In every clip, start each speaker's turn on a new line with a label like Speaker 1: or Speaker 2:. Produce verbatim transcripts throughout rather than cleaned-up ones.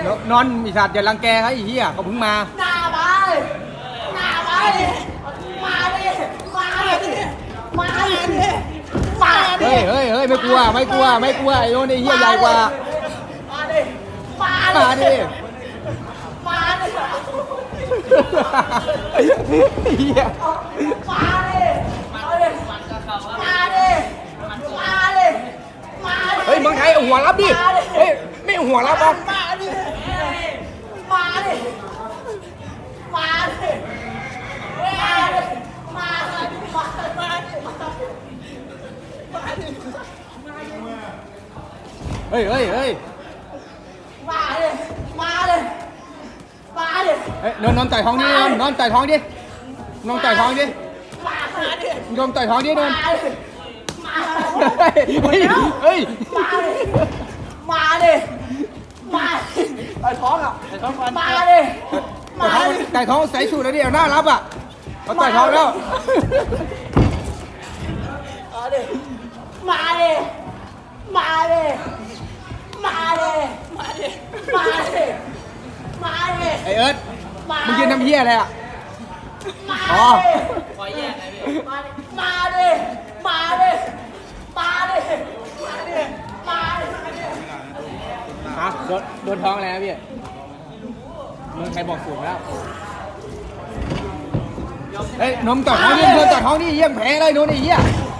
Speaker 1: นอนมีสัตว์อย่ารังแกเขาไอ้เหี้ยเขาเพิ่งมา
Speaker 2: หน้าไปหน้าไปมาดิมาดิมาดิมาดิ
Speaker 1: เฮ้ยเฮ้ยเฮ้ยไม่กลัวไม่กลัวไม่กลัวไอ้โน่นไอ้เหี้ยใหญ่กว่า
Speaker 2: มาดิมา
Speaker 1: มาดิ
Speaker 2: มาดิ
Speaker 1: เหี้ย
Speaker 2: มาดิมาดิมาดิมาดิมาดิ
Speaker 1: เฮ้ยเมืองไทยเอาหัวรับดิเฮ้ยไม่เอาหัวรับอ่ะ
Speaker 2: มาดิมาดิมาดิมาดิมาดิมาดิมาดิ
Speaker 1: เฮ้ยเฮ้ยเฮ้ย
Speaker 2: มาดิมาดิมาดิ
Speaker 1: เฮ้ยนอนนอนต่อยท้องดินอนนอนต่อยท้องดินอนต่อยท้องดิ
Speaker 2: มาดิ
Speaker 1: นอนต่อยท้องดินอน
Speaker 2: มาดิมา
Speaker 1: เฮ้ยเฮ้ย
Speaker 2: มาดิมาดิมาดิไอ้ท้องอ่ะไอ้ท้องฟันมาดิมา
Speaker 1: ต่อยท้อง
Speaker 2: ดิ
Speaker 1: ต่อยท้องใส่สูทแล้วดิเอาหน้ารับอ่ะเขาต่อยท้องแล้ว
Speaker 2: มาดิมาดิมาดิมาดิมาดิมาดิมาดิ
Speaker 1: ไอเอิร์ธมึงยืนทำเหี้ยอะไรอ่ะ
Speaker 2: มา
Speaker 1: อ๋อ
Speaker 2: ดิขอแยกไงพี่มาดิมาดิมาดิมาดิมาดิมาดิ
Speaker 1: ฮะโดนโดนท้องอะไรนะพี่เมืองไทยบอกสูงแล้วเฮ้ยนมต่อยท้องนี่นมต่อยท้องนี่เยี่ยมแพ้เลยโน่นไอ้เหี้ย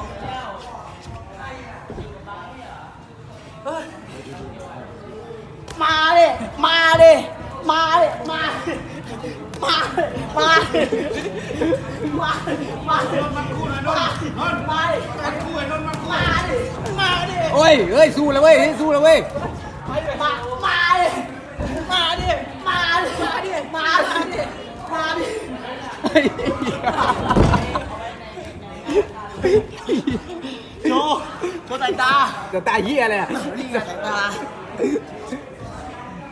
Speaker 2: มาดิมาดิมาดิมาดิมาดิมาดิมาดิมาดิมันคู่นะนนมาดิมันคู่ไอ้นนมันคู่มาดิมาดิ
Speaker 1: โอ้ยเอ้ยสู้แล้วเว้ยสู้แล้วเว้ย
Speaker 2: มามาดิมาดิมาดิมาดิมาดิมาดิ
Speaker 1: เฮ้ย
Speaker 2: โชว์โชว์สายตา
Speaker 1: จะตายเหี้ยอะไรอ่ะ
Speaker 2: นี่ไงสายตา